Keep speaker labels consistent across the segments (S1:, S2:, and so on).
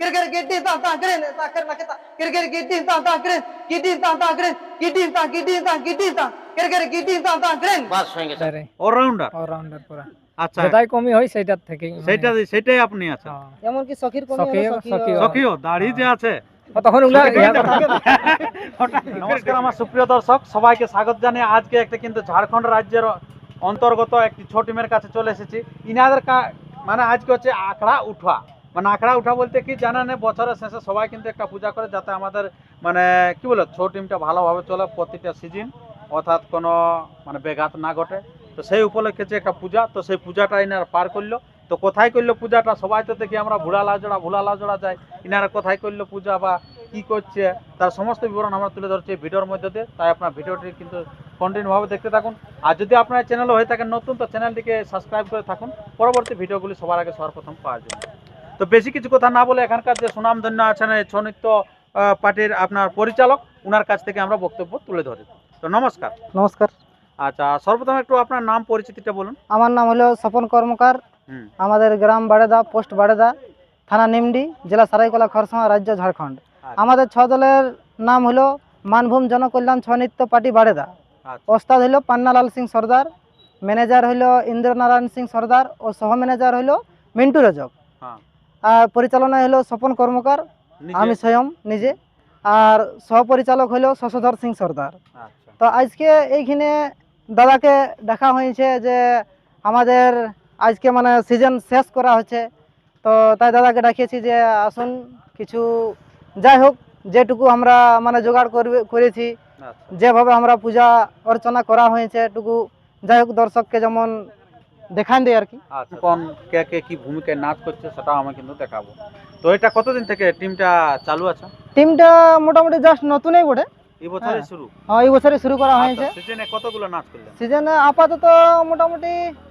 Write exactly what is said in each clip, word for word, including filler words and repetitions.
S1: Kira-kira gidin tang tang keren tak keren nak kita. Kira-kira gidin tang tang keren. Gidin tang tang keren. Gidin tang gidin tang gidin tang. Kira-kira gidin tang tang keren.
S2: বাস হয়ে গেছে
S3: তারে
S2: allrounder.
S3: Allrounder পুরা
S2: আচ্ছা
S3: যেটাই কমই হয় সেটার থেকেই মানে-
S2: সেটা সেটাই আপনি আছেন।
S3: হ্যাঁ।
S1: এমনকি সখীর কমি
S3: সখী
S1: হলো
S3: সখী
S2: সখিও দাড়ি যে আছে।
S3: ও তখন ওগুলা ইয়া কথা
S2: নমস্কার আমার সুপ্রিয় দর্শক, সবাইকে স্বাগত জানিয়ে আজকে একটা কিন্তু ঝাড়খণ্ড রাজ্যের অন্তর্গত একটি ছোট টিমের কাছে চলে এসেছি। ইনাদের কা- মানে আজকে হচ্ছে আখড়া উঠা, মানে আখড়া উঠা বলতে কি জানেন, বছরের শেষে সবাই কিন্তু একটা পূজা করে যাতে আমাদের মানে কি বলে ছোট টিমটা ভালোভাবে চলে প্রতিটা সিজন, অর্থাৎ কোনো মানে ব্যাঘাত না ঘটে। তো সেই উপলক্ষে যে একটা পূজা, তো সেই পূজাটা ইনারা পার করলো। তো কোথায় করলো পূজাটা, সবাই তো দেখি আমরা ভুলা লাজড়া ভুলা লাজড়া যাই, ইনারা কোথায় করলো পূজা বা কি করছে তার সমস্ত বিবরণ আমরা তুলে ধরছি এই ভিডিওর মধ্যে দিয়ে। তাই আপনার ভিডিওটি কিন্তু কন্টিনিউভাবে দেখতে থাকুন। আর যদি আপনার চ্যানেল হয়ে থাকেন নতুন, তো চ্যানেলটিকে সাবস্ক্রাইব করে থাকুন পরবর্তী ভিডিওগুলি সবার আগে সবার প্রথম পাওয়ার জন্য। তো বেশি কিছু কথা না বলে এখানকার যে সুনামধন্য আছেন এই ছৌ নৃত্য আহ, পার্টির আপনার পরিচালক, ওনার কাছ থেকে আমরা বক্তব্য তুলে ধরি। তো নমস্কার।
S1: নমস্কার,
S2: আচ্ছা, সর্বপ্রথম একটু আপনার নাম পরিচিতিটা বলুন।
S1: আমার নাম হলো স্বপন কর্মকার।
S2: হুম।
S1: আমাদের গ্রাম বাড়েদা, পোস্ট বাড়েদা, থানা নিমডি, জেলা সারাইকলা, খরসাওয়া, রাজ্য ঝাড়খণ্ড। আমাদের ছ দলের নাম হলো মানভূম জনকল্যাণ ছৌ নৃত্য পার্টি বাড়েদা।
S2: আচ্ছা
S1: ওস্তাদ হলো পান্নালাল সিং সর্দার, ম্যানেজার হলো ইন্দ্রনারায়ণ সিং সর্দার ও সহ ম্যানেজার হলো মিন্টু রজক।
S2: হ্যাঁ।
S1: আর পরিচালনায় হলো স্বপন কর্মকার,
S2: নিজে?
S1: আমি স্বয়ং নিজে। আর সহপরিচালক হলো শশধর সিং সর্দার।
S2: আচ্ছা
S1: তো আজকে এইখানে দাদাকে দেখা হয়েছে যে আমাদের আজকে মানে সিজন শেষ করা হচ্ছে, তো তাই দাদাকে ডাকিয়েছি যে আসুন কিছু, যাই হোক যেটুকু আমরা মানে জোগাড় করবে করেছি,
S2: আচ্ছা
S1: যেভাবে আমরা পূজা অর্চনা করা হয়েছে এটুকু যাই হোক দর্শককে যেমন দেখান দেয় আর কি।
S2: আচ্ছা, কোন কে কে কি ভূমিকায় নাচ করছে সেটাও আমি কিন্তু দেখাবো। তো এটা কতদিন থেকে টিমটা চালু আছে?
S1: টিমটা মোটামুটি জাস্ট নতুনই বটে,
S2: এই বছরে
S1: হ্যাঁ।
S2: শুরু?
S1: হ্যাঁ, এই বছরে শুরু করা হয়েছে।
S2: সিজনে কতগুলো নাচ করলেন?
S1: সিজনে আপাতত মোটামুটি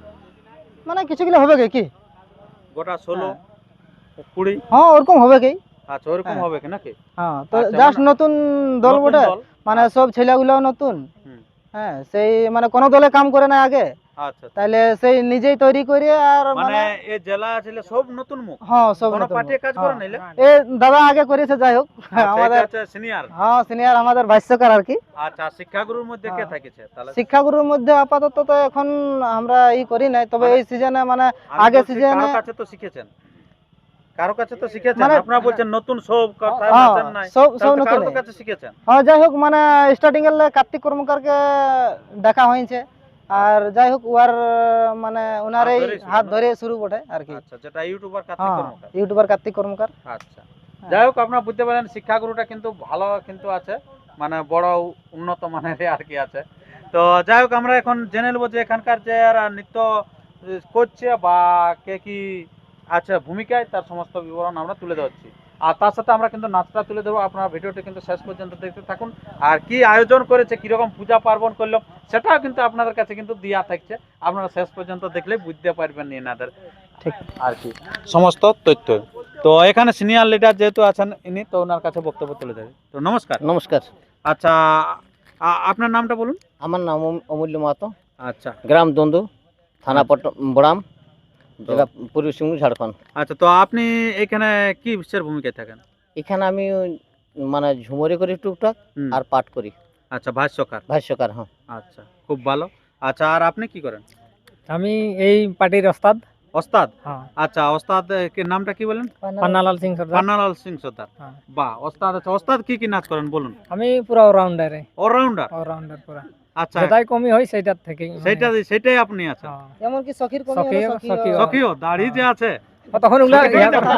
S1: মানে কিছুগুলো হবে কি কি
S2: গোটা ষোলো
S1: হ্যাঁ।
S2: কুড়ি?
S1: হ্যাঁ ওরকম হবে কি।
S2: আচ্ছা ওরকম
S1: হ্যাঁ।
S2: হবে কি নাকি?
S1: হ্যাঁ, তো
S2: আচ্ছা,
S1: জাস্ট
S2: মানে-
S1: নতুন দল
S2: নতুন
S1: বটে,
S2: দল?
S1: মানে সব ছেলেগুলো নতুন।
S2: হুম।
S1: হ্যাঁ, সেই মানে কোনো দলে কাম করে না আগে,
S2: আচ্ছা আচ্ছা।
S1: তাইলে সেই নিজেই তৈরি করে আর
S2: মানে
S1: মানে
S2: এই জেলা ছিল সব নতুন মুখ?
S1: হ্যাঁ সব
S2: কোনো
S1: নতুন।
S2: পার্টি কাজ করে নাইলে?
S1: এ দাদা আগে করেছে, যাই হোক আমাদের
S2: সিনিয়র।
S1: হ্যাঁ সিনিয়র, আমাদের ভাষ্যকার আর কি।
S2: আচ্ছা, শিক্ষাগুরুর মধ্যে কে
S1: হ্যাঁ।
S2: থাকেছে তাহলে?
S1: শিক্ষাগুরুর মধ্যে আপাতত তো এখন আমরা ই করি নাই, তবে
S2: মানে-
S1: এই সিজনে মানে
S2: আমি
S1: আগে
S2: বলছি,
S1: সিজনে
S2: কারো কাছে তো শিখেছেন, কারো কাছে তো শিখেছেন।
S1: মানে-
S2: আপনারা বলছেন নতুন সব কথা
S1: হ্যাঁ,
S2: নাচেন নাই,
S1: সব সব
S2: তাহলে তো
S1: নতুন।
S2: কারো কাছে শিখেছেন।
S1: হ্যাঁ যাই হোক মানে স্টার্টিং এর কার্তিক কর্মকারকে দেখা হয়েছে, আর যাই হোক ওর মানে ওনার এই
S2: হাত ধরেই শুরু
S1: হাত
S2: না?
S1: ধরে শুরু বটে আর কি।
S2: আচ্ছা, যেটা ইউটিউবার কার্তিক
S1: হ্যাঁ,
S2: কর্মকার।
S1: ইউটিউবার কার্তিক কর্মকার।
S2: আচ্ছা, যাই হোক আপনারা বুঝতে পারেন শিক্ষাগুরুটা কিন্তু ভালো কিন্তু আছে, মানে বড় উন্নত মানের আর কি আছে। তো যাই হোক আমরা এখন জেনে নেবো যে এখানকার যে এরা নৃত্য করছে বা কে কি আছে ভূমিকায়, তার সমস্ত বিবরণ আমরা তুলে ধরছি। আর তার সাথে আমরা কিন্তু নাচটা তুলে দেবো। আপনারা ভিডিওটি কিন্তু শেষ পর্যন্ত দেখতে থাকুন। আর কি আয়োজন করেছে, কিরকম পূজা পার্বণ করলো, সেটাও কিন্তু আপনাদের কাছে কিন্তু দেওয়া থাকছে। আপনারা শেষ পর্যন্ত দেখলে বুঝতে পারবেন এনাদের
S1: ঠিক
S2: আর কি সমস্ত তথ্য। তো এখানে সিনিয়র লিডার যেহেতু আছেন ইনি, তো ওনার কাছে বক্তব্য তুলে দেবে। তো নমস্কার।
S4: নমস্কার,
S2: আচ্ছা, আ- আপনার নামটা বলুন।
S4: আমার নাম অম- অমূল্য মাহাতো,
S2: আচ্ছা
S4: গ্রাম দন্দু, থানা পট বড়াম,
S2: তো-
S4: জেলা পূর্ব সিংভূম, ঝাড়খণ্ড।
S2: আচ্ছা, তো আপনি এখানে কি বিশ্বের ভূমিকায় থাকেন?
S4: এখানে আমি ওই মানে ঝুমরি করি টুকটাক,
S2: হুম।
S4: আর পাঠ করি,
S2: আচ্ছা, ভাষ্যকার।
S4: ভাষ্যকার। হ্যাঁ,
S2: আচ্ছা, খুব ভালো। আচ্ছা, আর আপনি কি করেন?
S3: আমি এই পার্টির ওস্তাদ।
S2: ওস্তাদ?
S3: হ্যাঁ,
S2: আচ্ছা, ওস্তাদ কে নামটা কি বলেন?
S3: পান্নালাল সিং সর্দার।
S2: পান্নালাল সিং সর্দার।
S3: হ্যাঁ।
S2: বাহ, ওস্তাদ। আচ্ছা, ওস্তাদ কি কি নাচ করেন বলুন।
S3: আমি পুরো অলরাউন্ডার
S2: অলরাউন্ডার?
S3: অলরাউন্ডার পুরা
S2: আচ্ছা,
S3: যেটাই কমই হয় সেটার থেকেই মানে-
S2: সেটা সেটাই আপনি আছেন।
S3: হ্যাঁ।
S1: এমনকি সখীর কমি
S3: সখী-
S1: হলো, সখী-
S3: সখী-
S2: সখিও দাড়ি যে আছে
S3: ও তখন ওগুলা ইয়া কথা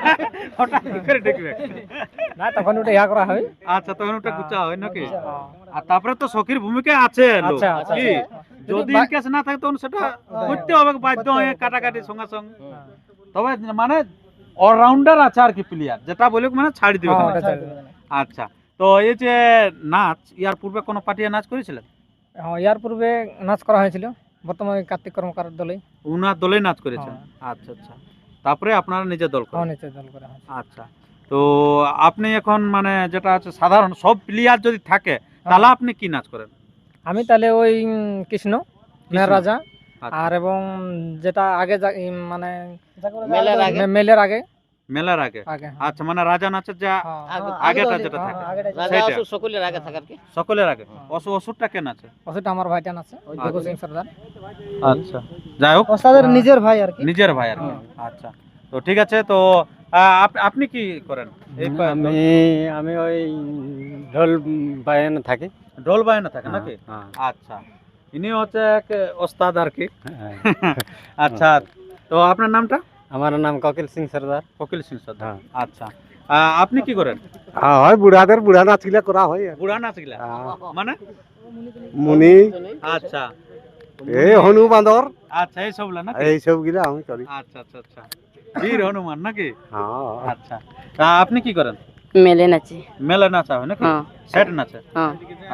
S2: হঠাৎ করে দেখবে।
S3: না, তখন ওটা ইয়া করা হয়।
S2: আচ্ছা, তখন ওটা গুছা হয় নাকি?
S3: হ্যাঁ।
S2: আর তারপরে তো সখীর ভূমিকায় আছে লোক,
S3: আচ্ছা, আচ্ছা,
S2: কি যদি
S3: বা-
S2: ইনকেস না থাকে তখন সেটা করতে হবে বাধ্য হয়ে, কাটাকাটি সঙ্গে সঙ্গে। তবে মানে অলরাউন্ডার আছে আর কি প্লেয়ার, যেটা বলে মানে ছাড়ি দিবে।
S3: হ্যাঁ, ওটা চাই দেবে।
S2: আচ্ছা, তো এই যে নাচ, ইয়ার পূর্বে কোনো পার্টিয়ে নাচ করেছিলেন?
S3: হ্যাঁ, ইয়ার পূর্বে নাচ করা হয়েছিল, বর্তমানে কার্তিক কর্মকার দলে।
S2: উনার দলেই নাচ করেছেন?
S3: হ্যাঁ।
S2: আচ্ছা আচ্ছা, তারপরে আপনারা নিজের দল করেন?
S3: হ্যাঁ, নিচে দল করা হয়েছে।
S2: আচ্ছা, তো আপনি এখন মানে যেটা আছে সাধারণ সব প্লেয়ার যদি থাকে তাহলে আপনি কি নাচ করেন?
S3: আমি তাহলে ওই উম, কৃষ্ণ মেয়ের রাজা,
S2: আচ্ছা।
S3: আর এবং যেটা আগে যা- ই মানে
S4: মেলার আগে
S3: মে- মেলের আগে
S2: মেলার আগে
S3: আগে হ্যাঁ।
S2: আচ্ছা মানে রাজা নাচের যা
S3: হ্যাঁ,
S4: আগে-
S2: আগেটা
S1: আগে
S2: যেটা
S1: হ্যাঁ,
S2: থাকে
S1: আগেটা
S4: রাজা
S2: সেইটা।
S4: অসুর সকলের আগে থাকার কি
S2: সকলের আগে
S3: হ্যাঁ।
S2: অসু অসুরটা কেন আছে
S3: ওষুধটা আমার ভাইটান আছে ভগু সিং সর্দার।
S2: আচ্ছা যাই হোক
S1: ওস্তাদের
S3: হ্যাঁ।
S1: নিজের ভাই আর কি।
S2: নিজের ভাই আর কি আচ্ছা তো ঠিক আছে তো আহ, আপ- আপনি কি করেন এই পা-
S5: আমি আমি ওই ঢোল বাজানো থাকি
S2: ঢোল বায়না থাকে নাকি
S5: হ্যাঁ,
S2: আচ্ছা ইনি হচ্ছে এক ওস্তাদ আর কি
S5: হ্যাঁ।
S2: আচ্ছা তো আপনার নামটা
S5: আমার নাম ককিল সিং সর্দার।
S2: কপিল সিং সর্দার
S5: হ্যাঁ।
S2: আচ্ছা আহ, আপনি কি করেন
S5: হ্যাঁ হয় বুড়াদের বুড়া নাচগুলা করা হয় আর।
S2: বুড়া নাচ গিলা
S5: হ্যাঁ।
S2: মানে
S5: মুনি
S2: আচ্ছা
S5: এই হনু বান্দর
S2: আচ্ছা এই সব না
S5: এই সব গুলা আমি করি।
S2: আচ্ছা আচ্ছা আচ্ছা বীর হনুমান নাকি
S5: হ্যাঁ
S2: আচ্ছা তা আপনি কি করেন
S6: মেলে নাচে
S2: মেলা নাচা হয় নাকি
S6: হ্যাঁ
S2: সেট নাচে
S6: হ্যাঁ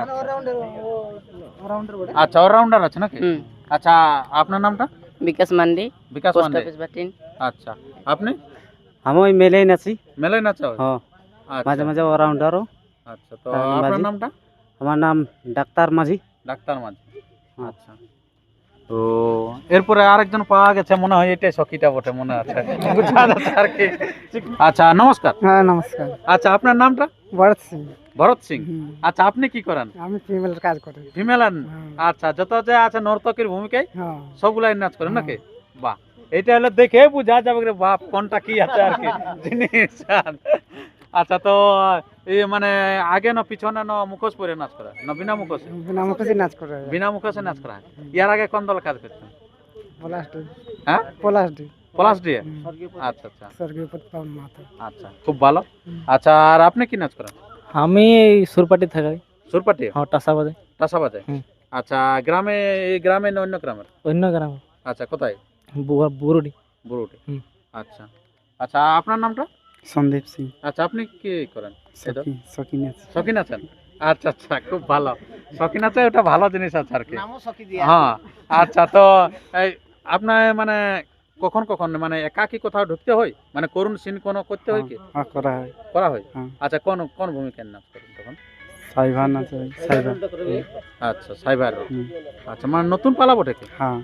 S2: আচ্ছা অলরাউন্ডার আছে নাকি
S6: হুম
S2: আচ্ছা আপনার নামটা
S6: বিকাশ মান্ডি
S2: বিকাশ
S6: পোস্ট
S2: পান্ডে
S6: অফিস বাটিন
S2: আচ্ছা আপনি
S5: আমি ওই মেলেই নাচি।
S2: মেলায় নাচা হয়
S5: হ্যাঁ
S2: আচ্ছা,
S5: মাঝে মাঝে অলরাউন্ডারও।
S2: আচ্ছা তো
S5: হ্যাঁ,
S2: আপনার
S5: মাঝি।
S2: নামটা
S5: আমার নাম ডাক্তার মাঝি।
S2: ডাক্তার মাঝি
S5: হ্যাঁ।
S2: আচ্ছা তো এরপরে আরেকজন পাওয়া গেছে মনে হয় এটাই সখীটা বটে মনে আছে বুঝা যাচ্ছে আর কি আচ্ছা নমস্কার
S1: হ্যাঁ নমস্কার।
S2: আচ্ছা আপনার নামটা
S1: ভরত সিং।
S2: ভরত সিং আচ্ছা আপনি কি করেন
S1: আমি ফিমেলের কাজ করি।
S2: ফিমেল আচ্ছা যত যে আছে নর্তকীর ভূমিকায়
S1: হ্যাঁ
S2: সবগুলাই নাচ করেন নাকি বাহ এটা হলো দেখে বুঝা যাবে রে বাপ কোনটা কি আছে আর কি জিনিস আচ্ছা তো এই মানে আগে না পিছনে না মুখোশ পরে নাচ করা না বিনা মুখোশে
S1: বিনা মুখোশে নাচ করে।
S2: বিনা মুখোশে নাচ করা হয়। ইয়ার আগে কোন দল কাজ করছেন
S1: পলাশ ডি।
S2: হ্যাঁ
S1: পলাশ ডি।
S2: পলাশ দিয়ে আচ্ছা আচ্ছা
S1: স্বর্গীয় পাবন মাহাতো।
S2: আচ্ছা খুব ভালো আচ্ছা আর আপনি কি নাচ করেন
S3: আমি এই সুরপাটি থাকি।
S2: সুরপাটি
S3: হ্যাঁ টাসা বাজে
S2: টাসা বাজায়
S3: হুম।
S2: আচ্ছা গ্রামে এই গ্রামে না অন্য গ্রামের
S3: অন্য গ্রামে
S2: আচ্ছা কোথায়
S3: বুরুডি।
S2: বুড়ুটি
S3: হুম।
S2: আচ্ছা আচ্ছা আপনার নামটা
S1: সন্দীপ সিং।
S2: আচ্ছা আপনি কি করেন এটা?
S1: সখী সখী নাচ।
S2: শখিন আছেন আচ্ছা আচ্ছা খুব ভালো শখিন আছে ওটা ভালো জিনিস আছে আর কি
S4: নামও সখী দিয়া
S2: হ্যাঁ আচ্ছা তো এই আপনার মানে কখন কখন মানে একাকি কোথাও ঢুকতে হয় মানে করুণ সিন কোনো করতে হয় কি
S1: হ্যাঁ করা হয়।
S2: করা হয়
S1: হ্যাঁ।
S2: আচ্ছা কোন কোন ভূমিকার নাচ করেন তখন
S1: সাইভা নাচ হয়। সাইভা।
S2: আচ্ছা সাইবার
S1: হুম।
S2: আচ্ছা মানে নতুন পালা বটে কি
S1: হ্যাঁ।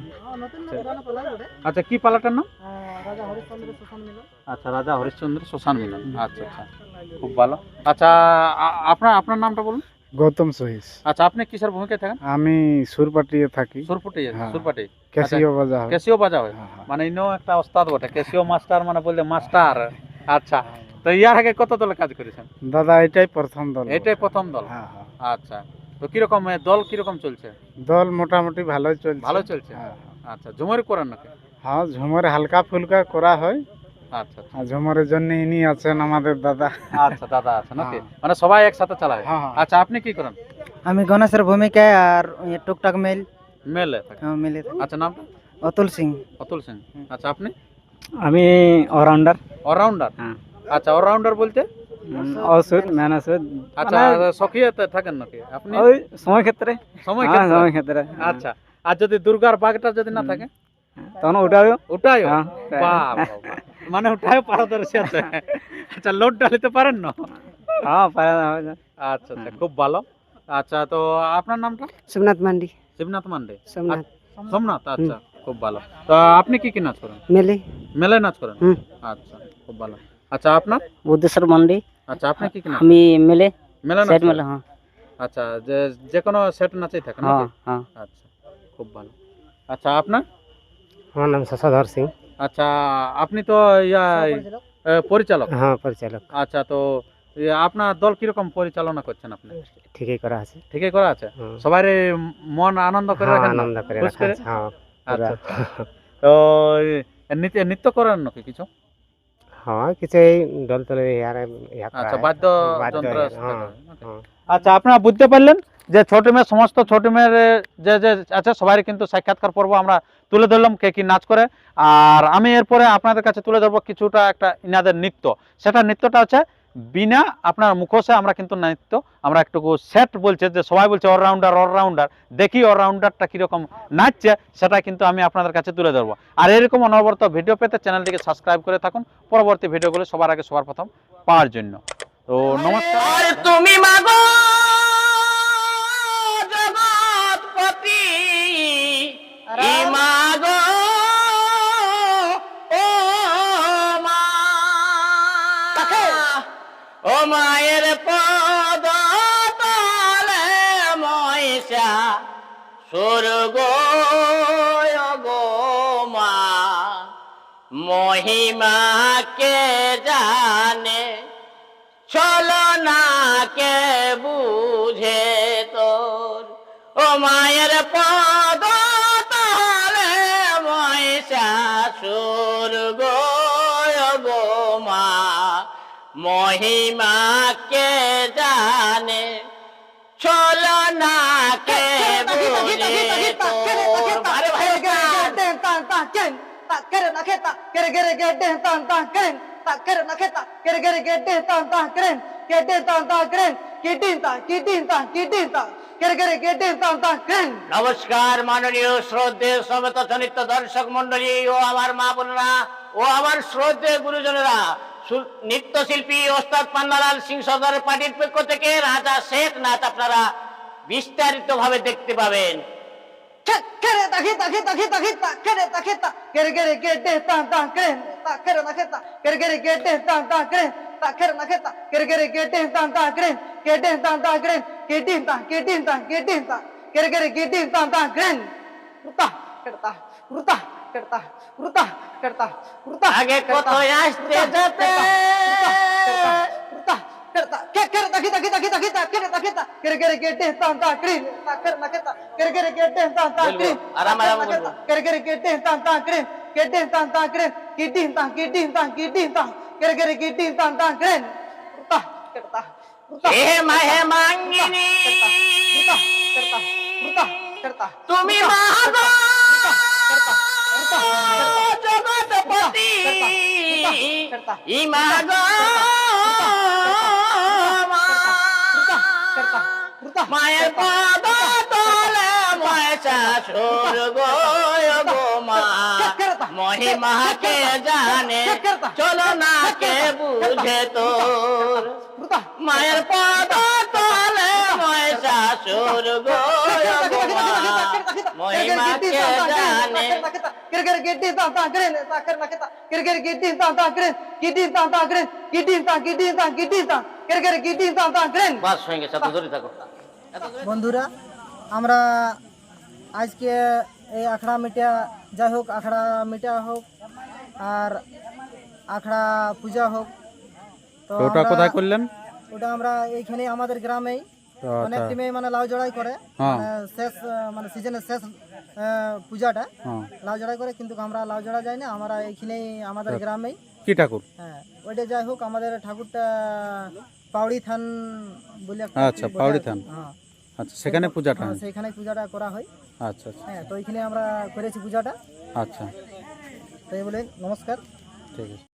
S2: আচ্ছা কি পালাটার নাম
S1: রাজা হরিশ্চন্দ্র সুশান মিলন।
S2: আচ্ছা রাজা হরিশ্চন্দ্র শ্মশান মিলন আচ্ছা আচ্ছা খুব ভালো আচ্ছা আ- আপনার আপনার নামটা বলুন
S1: গৌতম সহিস।
S2: আচ্ছা আপনি কিসের ভূমিকায় থাকেন
S1: আমি সুরপাটিয়ে থাকি।
S2: সুরপুটি
S1: হ্যাঁ।
S2: সুরপাটি
S1: ক্যাসিও বাজা হয়।
S2: কেসিও বাজা হয়
S1: হ্যাঁ, হ্যাঁ।
S2: মানে ইনো একটা ওস্তাদ বটে কেসিও মাস্টার মানে বলতে মাস্টার আচ্ছা তো ইয়ার আগে কত দলে কাজ করেছেন
S1: দাদা এটাই প্রথম দল।
S2: এটাই প্রথম দল
S1: হ্যাঁ হ্যাঁ।
S2: আচ্ছা তো কিরকম এ, দল কিরকম চলছে
S1: দল মোটামুটি ভালোই চলছে।
S2: ভালো চলছে
S1: হ্যাঁ
S2: আচ্ছা ঝুমরি করেন নাকি
S1: হ্যাঁ ঝুমরে হালকা ফুলকা করা হয়।
S2: আচ্ছা আচ্ছা
S1: আর ঝুমরের জন্য ইনি আছেন আমাদের দাদা।
S2: আচ্ছা দাদা আছে নাকি
S1: হ্যাঁ।
S2: মানে সবাই একসাথে চালায়
S1: হ্যাঁ, হ্যাঁ।
S2: আচ্ছা আপনি কি করেন
S1: আমি গণেশের ভূমিকায় আর টুকটাক মেল
S2: মেলে থাকে।
S1: মিলে
S2: আচ্ছা নামটা
S1: অতুল সিং।
S2: অতুল সিং আচ্ছা আপনি
S5: আমি অলরাউন্ডার।
S2: অলরাউন্ডার
S5: হ্যাঁ।
S2: আচ্ছা অলরাউন্ডার বলতে
S5: ওষুধ ম্যান ওষুধ
S2: আচ্ছা সখিয়াতে থাকেন নাকি আপনি
S5: ওই সময় ক্ষেত্রে।
S2: সময়
S5: হ্যাঁ,
S2: ক্ষেত্রে?
S5: সময় ক্ষেত্রে।
S2: আচ্ছা আর যদি দুর্গার বাঘটা যদি না থাকে
S5: তখন ওটাও
S2: ওটাই
S5: হ্যাঁ।
S2: বাহ, বাহ, বাহ। মানে ওটাই পারদর্শী আছে আচ্ছা লোড ডালিতে পারেন না
S5: হ্যাঁ পারা যাবে না।
S2: আচ্ছা আচ্ছা খুব ভালো আচ্ছা তো আপনার নামটা
S1: সোমনাথ মান্ডি।
S2: শিবনাথ মান্ডে
S1: সোমনাথ
S2: সোমনাথ আচ্ছা খুব ভালো তো আপনি কি কি নাচ করেন
S1: মেলে।
S2: মেলায় নাচ করেন
S1: হুম।
S2: আচ্ছা খুব ভালো আচ্ছা আপনার
S6: বুদ্ধেশ্বর মান্ডি
S2: আচ্ছা আপনি কি কি নাচ
S6: আমি মেলে
S2: মেলা নাচ
S6: সেট
S2: করেন?
S6: মেলে হ্যাঁ
S2: আচ্ছা যে যে কোনো সেট নাচেই থাকে
S6: হ্যাঁ
S2: নাকি
S6: হ্যাঁ
S2: আচ্ছা খুব ভালো আচ্ছা আপনার
S5: আমার নাম শশধর সিং।
S2: আচ্ছা আপনি তো ইয়া এ, পরিচালক
S5: হ্যাঁ পরিচালক।
S2: আচ্ছা তো এ, আপনার দল কিরকম পরিচালনা করছেন আপনি
S5: ঠিকই করা আছে।
S2: ঠিকই করা আছে
S5: হুম।
S2: সবাই মন আনন্দ করে
S5: হ্যাঁ,
S2: রাখেন না?
S5: আনন্দ করে
S2: খুশ
S5: রাখা
S2: করে?
S5: আছে, হ্যাঁ
S2: আচ্ছা
S5: পুরা।
S2: আচ্ছা। তো এ, নৃত্য নৃত্য করেন নাকি কিছু
S5: হ্যাঁ কিছু এই দল তলে ইয়ার ইয়া করা
S2: আচ্ছা
S5: হয়।
S2: বাদ্য
S5: বাদ্য,
S2: যন্ত্র
S5: হ্যাঁ,
S2: থাকে, নাকি?
S5: হ্যাঁ।
S2: আচ্ছা আপনারা বুঝতে পারলেন যে ছোট মেয়ে সমস্ত ছোট মেয়ের যে যে আছে সবাই কিন্তু সাক্ষাৎকার পর্ব আমরা তুলে ধরলাম কে কি নাচ করে আর আমি এরপরে আপনাদের কাছে তুলে ধরবো কিছুটা একটা ইনাদের নৃত্য সেটা নৃত্যটা হচ্ছে বিনা আপনার মুখোশে আমরা কিন্তু নৃত্য আমরা একটু সেট বলছে যে সবাই বলছে অলরাউন্ডার অলরাউন্ডার দেখি অলরাউন্ডারটা কীরকম নাচছে সেটা কিন্তু আমি আপনাদের কাছে তুলে ধরবো আর এরকম অনবরত ভিডিও পেতে চ্যানেলটিকে সাবস্ক্রাইব করে থাকুন পরবর্তী ভিডিওগুলো সবার আগে সবার প্রথম পাওয়ার জন্য তো নমস্কার
S6: তুমি মাগো জগৎপতি মাগো ও মা ও মায়ের পদ তলে মহিষা স্বর্গ গো মা মহিমা কে জানে চলো না কে বুঝে তোর ও মায়ের পদ তলে মহিষাসুর গো গো মা মহিমা কে জানে চলো না কে বুঝে তোর আরে ভাই নমস্কার মাননীয় শ্রদ্ধেয় সমবেত জনিত দর্শক মন্ডলী ও আমার মা বোনেরা ও আমার শ্রদ্ধেয় গুরুজনেরা সু- নৃত্যশিল্পী ওস্তাদ পান্নালাল সিং সর্দারের পার্টির পক্ষ থেকে রাজা শেখ নাচ আপনারা বিস্তারিত ভাবে দেখতে পাবেন আগে কোথায় আসতে যেতে বলবো, আরাম আরাম বলবো। হে মাহে মাঙ্গিনী তুমি মাগো জগৎপতি ইমাগো মায়ের পদ তলে মহিষাসুর গো গো মা মহিমা কে জানে চলো না কে বুঝে তোর মায়ের পদ তলে মহিষাসুর গো গো মা মহিমা কে জানে বাস হয়ে গেছে এত ধরে থাকো
S1: বন্ধুরা আমরা আজকে এই আখড়া মিটা যাই হোক আখড়া মিটা হোক আর আখড়া পূজা হোক তো
S2: ওটা
S1: আমরা-
S2: কোথায় করলেন?
S1: ওটা আমরা এইখানে আমাদের গ্রামেই
S2: তো
S1: অনেক
S2: আচ্ছা,
S1: টিমে মানে লাউ জড়াই করে
S2: হ্যাঁ।
S1: মানে শেষ আহ, মানে সিজনের শেষ আহ, পূজাটা
S2: হ্যাঁ।
S1: লাউ জড়াই করে কিন্তু আমরা লাউ জড়া যাই না আমরা এইখানেই আমাদের গ্রামেই
S2: কি ঠাকুর?
S1: হ্যাঁ ওইটা যাই হোক আমাদের ঠাকুরটা পাউড়ি থান বলে একটা
S2: আচ্ছা,
S1: বলে
S2: পাউড়ি
S1: আছে।
S2: থান।
S1: হ্যাঁ
S2: আচ্ছা, সেখানে পূজাটা
S1: হ্যাঁ,
S2: হয়?
S1: সেইখানে পূজাটা করা হয়
S2: আচ্ছা আচ্ছা
S1: হ্যাঁ তো ওইখানে আমরা করেছি পূজাটা
S2: আচ্ছা,
S1: তো এই বলে নমস্কার।
S2: ঠিক আছে।